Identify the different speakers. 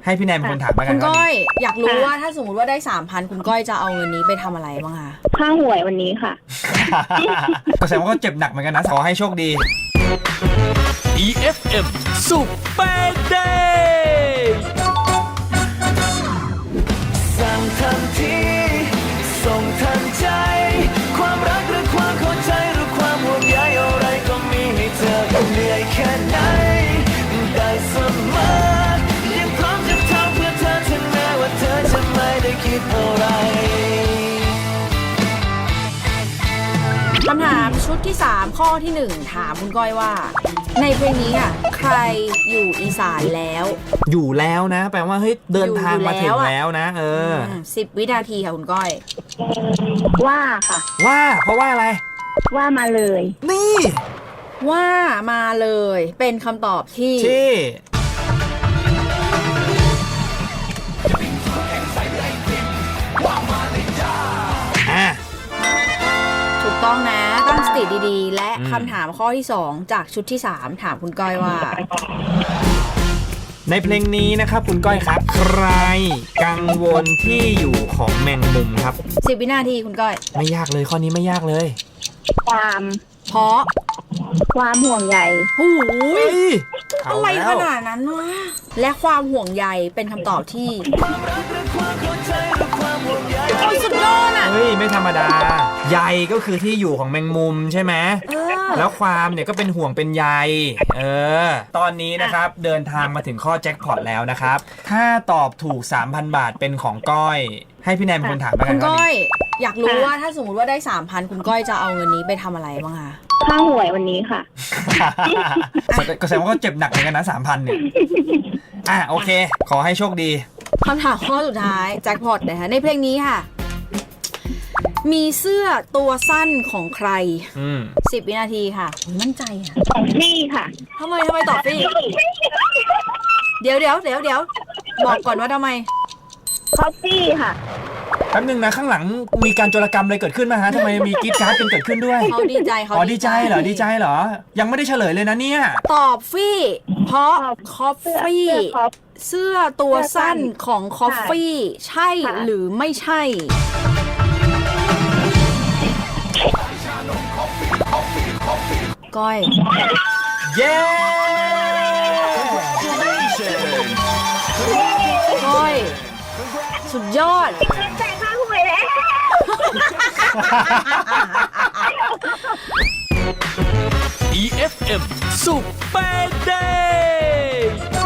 Speaker 1: ให้พี่แนนเป็นคนถามมากั
Speaker 2: คุ
Speaker 1: น
Speaker 2: ณก้อยอยากรู้ว่าถ้าสมมติว่าได้ 3,000 คุณก้อยจะเอาเงินนี้ไปทำอะไรบ้างคะ
Speaker 3: ค่าหวยวันนี้ค่ะ
Speaker 1: ก็แสดงว่าก็เจ็บหนักเหมือนกันนะขอให้โชคดี
Speaker 4: EFM Super Day สั่งทันทีส่งทันใจความรักหรือความเข้าใจหรือความห่วงใยอะไรก็มีให้เธอเหนื่อยแค่ไหนได้เสมอยังพร้อมจะทำเพื่อเธอถึงแม้ว่าเธอจะไม่ได้คิดอะไร
Speaker 2: คำถามชุดที่ 3 ข้อที่ 1 ถามคุณก้อยว่า ในเพลงนี้ใครอยู่อีสานแล้ว
Speaker 1: อยู่แล้วนะแปลว่าเฮ้ยเดินทางมาถึงแล้วนะ
Speaker 2: 10 วินาทีค่ะคุณก้อย
Speaker 3: ว่าค่ะ
Speaker 1: ว่าเพราะว่าอะไร
Speaker 3: ว่ามาเลย
Speaker 1: นี่
Speaker 2: ว่ามาเลยเป็นคำตอบที่ถูกต้องนะตั้งสติดีๆและคำถามข้อที่ 2 จากชุดที่ 3 ถามคุณก้อยว่า
Speaker 1: ในเพลงนี้นะครับคุณก้อยครับใครกังวลที่อยู่ของแมงมุมครับ
Speaker 2: 10 วินาทีคุณก้อย
Speaker 1: ไม่ยากเลยข้อนี้ไม่ยากเลย
Speaker 2: เพราะ
Speaker 3: ความห่วงใย
Speaker 2: หูย
Speaker 1: อะ
Speaker 2: อะไรขนาดนั้นวะและความห่วงใยเป็นคำตอบที่โอ้ยสุดยอดอ่ะ
Speaker 1: เฮ้ยไม่ธรรมดาใยก็คือที่อยู่ของแมงมุมใช่ไหมแล้วความเนี่ยก็เป็นห่วงเป็นใยตอนนี้นะครับเดินทางมาถึงข้อแจ็คพอตแล้วนะครับถ้าตอบถูก 3,000 บาทเป็นของก้อยให้พี่แนนเป็นคนถามมากัน
Speaker 2: คุณก้อยอยากรู้ว่าถ้าสมมติว่าได้ 3,000 คุณก้อยจะเอาเงินนี้ไปทำอะไรบ้างคะ
Speaker 3: ค่าหวยวันนี้ค่ะ
Speaker 1: ก็แสดงว่าก็เจ็บหนักเหมือนกันนะ 3,000 เนี่ยโอเคขอให้โชคดี
Speaker 2: คำถามข้อสุดท้ายแจ็คพอตนะคะในเพลงนี้ค่ะมีเสื้อตัวสั้นของใคร10 วินาทีค่ะมั่นใจอ่ะ
Speaker 3: นี่ค่ะ
Speaker 2: ทำไมตอบฟี่เดี๋ยวบอกก่อนว่าทำไม
Speaker 3: คอฟฟี่ค่ะ
Speaker 1: แป๊บนึงนะข้างหลังมีการโจรกรรมอะไรเกิดขึ้นไหมฮะทำไมมีกรี๊ดกราร์ดกันเกิดขึ้นด้วย
Speaker 2: เขาดีใจ
Speaker 1: ดีใจเหรอยังไม่ได้เฉลยเลยนะเนี่ย
Speaker 2: ตอบฟี่เพราะคอฟฟี่เสื้อตัวสั้นของคอฟฟี่ใช่หรือไม่ใช่ก้อย
Speaker 1: เย้
Speaker 2: ก้อยสุดยอด
Speaker 3: จ่ายค่าหวยแล้ว
Speaker 4: EFM Super Day